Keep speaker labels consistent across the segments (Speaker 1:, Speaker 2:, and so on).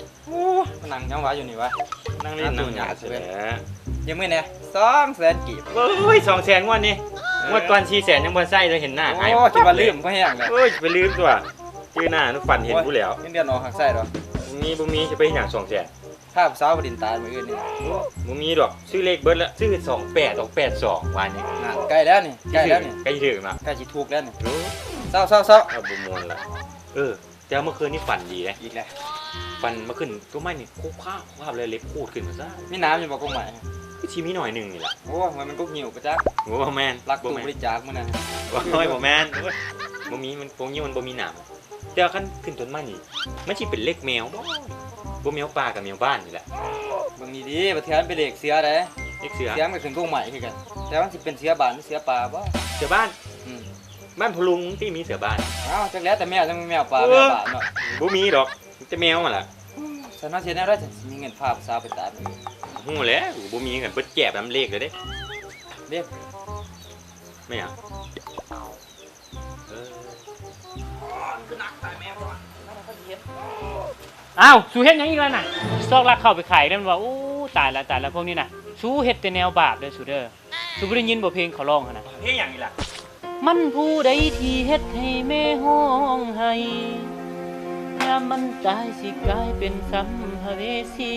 Speaker 1: โอ้นั่งยังหวะอยู่นี่วะนั่งเล่นนั่งหยาด
Speaker 2: ใช่
Speaker 1: ใช่
Speaker 2: ไห
Speaker 1: ไห
Speaker 2: ม
Speaker 1: มยังไม่เนี่ย200,000 กีบ
Speaker 2: เฮ้ย200,000งวดนี่งวดก่อน400,000ยังบ่ใส่เลยเห็นหน้าหาย
Speaker 1: โอ้คิดว่าลืมก็แห้งเลย
Speaker 2: เฮ้ยไปลืมตัวชื่อหน้านุฝันเห็นกูแล้ว
Speaker 1: เงินเดือนออกหักไส้หรอ
Speaker 2: บ่มีจะไปอย่าง200,000
Speaker 1: ภาพสาวบดินตายมืออื่นนี่
Speaker 2: บ่มีดอกซื้อเลขเบิดแล้วซื้อ2882วันนี้
Speaker 1: น่ะใกล้แล้วนี่ใกล้แล้วนี่
Speaker 2: ใกล้ถึงละ
Speaker 1: ใกล้สิถูกแล้วนี่
Speaker 2: โอ้
Speaker 1: เศร้า
Speaker 2: เอาบ่ม่วนละแต่เมื่อคืนนี่ฝันดีนะ
Speaker 1: อีกแล้ว
Speaker 2: ฝันเมื่อคืนตัวไม้นี่คุกข้าวเลยเล็บพูดขึ้นมาซะ
Speaker 1: มีน้ำอยู่บ่กงใหม่
Speaker 2: ก็ชีมีหน่อยหนึงนี่ล่ะ
Speaker 1: โอ้มันกุกหิวประจัก
Speaker 2: โอ้แม่น
Speaker 1: รัก
Speaker 2: บ่
Speaker 1: ตู้
Speaker 2: แม่น
Speaker 1: บริจาคมื้อนั้น
Speaker 2: โอ้ยบ่แม่นบ่มีมันพวกนี้มันบ่มีหนามแต่คันขึ้นต้นไม้นี่มันสิเป็นเลขแมวบ่แมวป่ากับแมวบ้านนี่แหละ
Speaker 1: เบิ่งนี่ดิประเทศมันเป็นเลขเสือเด้
Speaker 2: เลขเสือ
Speaker 1: เสือมันก็ขึ้นกงใหม่คือกันแต่ว่าสิเป็นเสือบ้านหรือเสือป่าบ่
Speaker 2: เสือบ้าน
Speaker 1: อืม
Speaker 2: บ้านพลุงที่มีเสือบ้าน
Speaker 1: อ้าวจักแล้วแต่แมวจังแมวป่าแมวบ้านเนาะ
Speaker 2: บ่มีดอกมีแต่แมวนั่นล่ะ
Speaker 1: ฉันว่าเสียแน่ได้จะมีเงินพาสาวไปตายมื้อ
Speaker 2: ฮู้แหล้วบ่มีกันเบิดแจบน้ำเลขเลยเด้
Speaker 1: เด้
Speaker 2: ไม่อ่ะเออ
Speaker 1: คือนักตายแมวบ่เฮ็ด
Speaker 3: อ้าวสู้เฮ็ดหยังอีกแล้วน่ะซอกลักเข้าไปขายได้มันว่าโอ้ตายละพวกนี้น่ะสู้เฮ็ดแต่แนวบาปเด้อสู้เด้อสู้บ่ได้ยินบ่เพลงเขาร้องหั่นน่ะ
Speaker 2: เฮ้ยหยังนี่ล่ะ
Speaker 3: มันผู้ใดที่เฮ็ดให้แม่ห้องไห้ยามมันตายสิกลายเป็นสัมภเวสี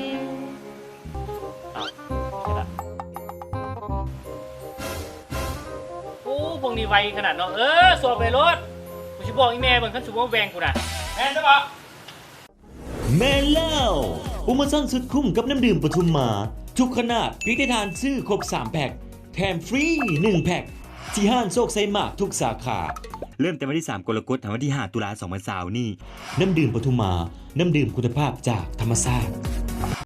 Speaker 3: อ้าวใช่ละโอ้พวกนี้ไวขนาดเนาะสวบไปรถกูสิบอกอีแม่เบิ่งคันสิบ่แวงกูน่ะแม่นซะบ่
Speaker 4: แม่เล่าโปรโมชั่นสุดคุ้มกับน้ำดื่มปทุมมา ทุกขนาดคลิกได้ทานซื้อครบ 3 แพ็คแถมฟรี 1 แพ็คที่ห้างโชคไซมากทุกสาขา เริ่มแต่วันที่ 3 กรกฎาคมถึงวันที่ 5 ตุลาคม 2020นี้ น้ำดื่มปทุมมา น้ำดื่มคุณภาพจากธรรมชาติ